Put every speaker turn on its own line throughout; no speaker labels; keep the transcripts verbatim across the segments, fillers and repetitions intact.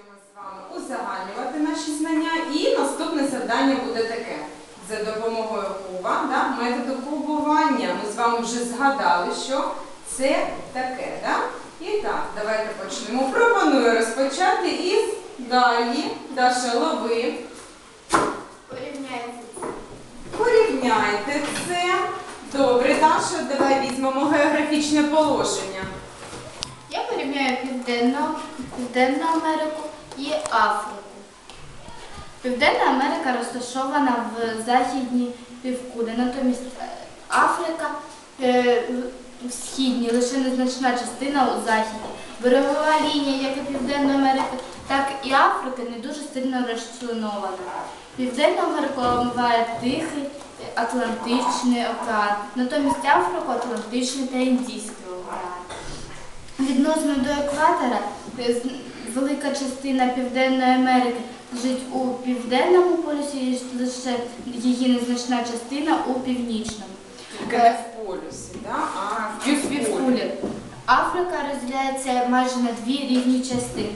Продовжуємо з вами узагальнювати наші знання. І наступне завдання буде таке. За допомогою куба, да, методу кубування. Ми з вами вже згадали, що це таке. Да? І так, давайте почнемо. Пропоную розпочати із далі. Даша, лови.
Порівняйте це.
Порівняйте це. Добре, Даша, давай візьмемо географічне положення.
Я порівняю Південну, Південну Америку і Африку. Південна Америка розташована в західній півкулі, натомість Африка е, в східній, лише незначна частина у західній. Берегова лінія як і Південної Америки, так і Африки не дуже сильно розчленована. Південну Америку омиває Тихий, Атлантичний океан, натомість Африку Атлантичний та Індійський океан. Відносно до екватора, велика частина Південної Америки лежить у південному полюсі, і лише її незначна частина у північному.
Тільки не в полюсі, да? А в півкулі.
Африка розділяється майже на дві рівні частини.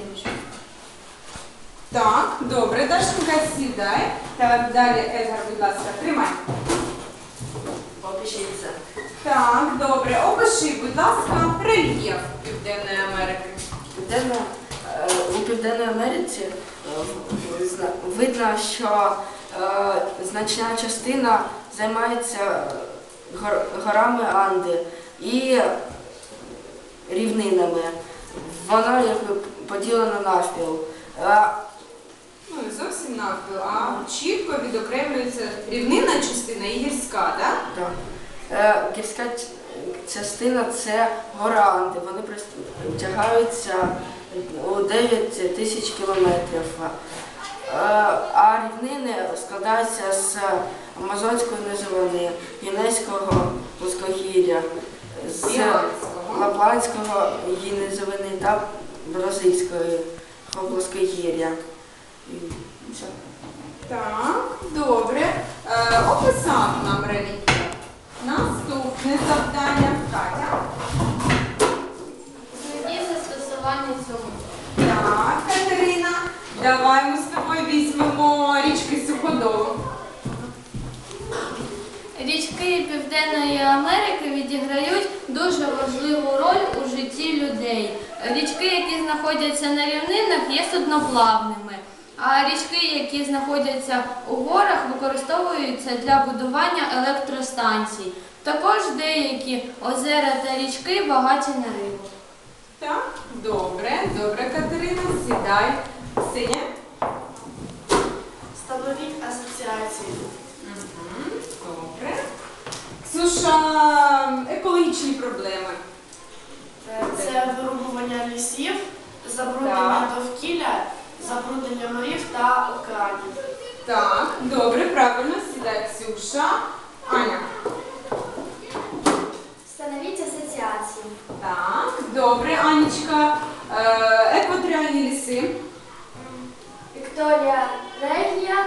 Так, добре, Дашенька, сідай. Так, далі, Едгар, будь ласка, тримай.
Опишіть це.
Так, добре, опиши, будь ласка, рельєф Південної Америки.
Південна, е, у Південній Америці е, зна- видно, що е, значна частина займається гор- горами Анди і рівнинами. Вона якби поділена навпіл. Е,
Ну, не зовсім навпіл, а чітко відокремлюється рівнинна частина і гірська, так?
Так. Е, Гірська ч- частина це гора Анди. Вони простягаються у дев'ять тисяч кілометрів. Е, А рівнини складаються з Амазонської низовини, Гінейського плоскогір'я, з
Біланського.
Лапландського її низовини та Бразильського плоскогір'я. І все.
Так, добре. Е, описав нам рельєф. Наступне завдання. Катя.
Знайдіть застосування цього.
Так, Катерина. Давай ми з тобою візьмемо річки Суходолу.
Річки Південної Америки відіграють дуже важливу роль у житті людей. Річки, які знаходяться на рівнинах, є судноплавними, а річки, які знаходяться у горах, використовуються для будування електростанцій. Також деякі озера та річки багаті на рибу.
Так, добре, добре, Катерина, сідай. Синя.
Встановіть асоціації.
Угу, добре. Ксюша, екологічні проблеми.
Це вирубування лісів, забруднення довкілля, забруднення морів та океанів.
Так, добре, правильно, сідай, Ксюша. Аня.
Встановіть асоціації.
Так, добре, Анечка. Е, екваторіальні ліси.
Вікторія Регія,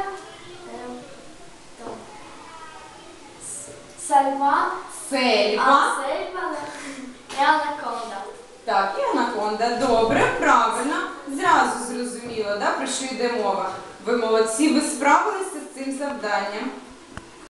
Сальва,
Сельва.
Сельва і Анаконда.
Так, і анаконда. Добре, правильно. Зразу зрозуміло, да, про що йде мова. Ви молодці, ви справилися з цим завданням.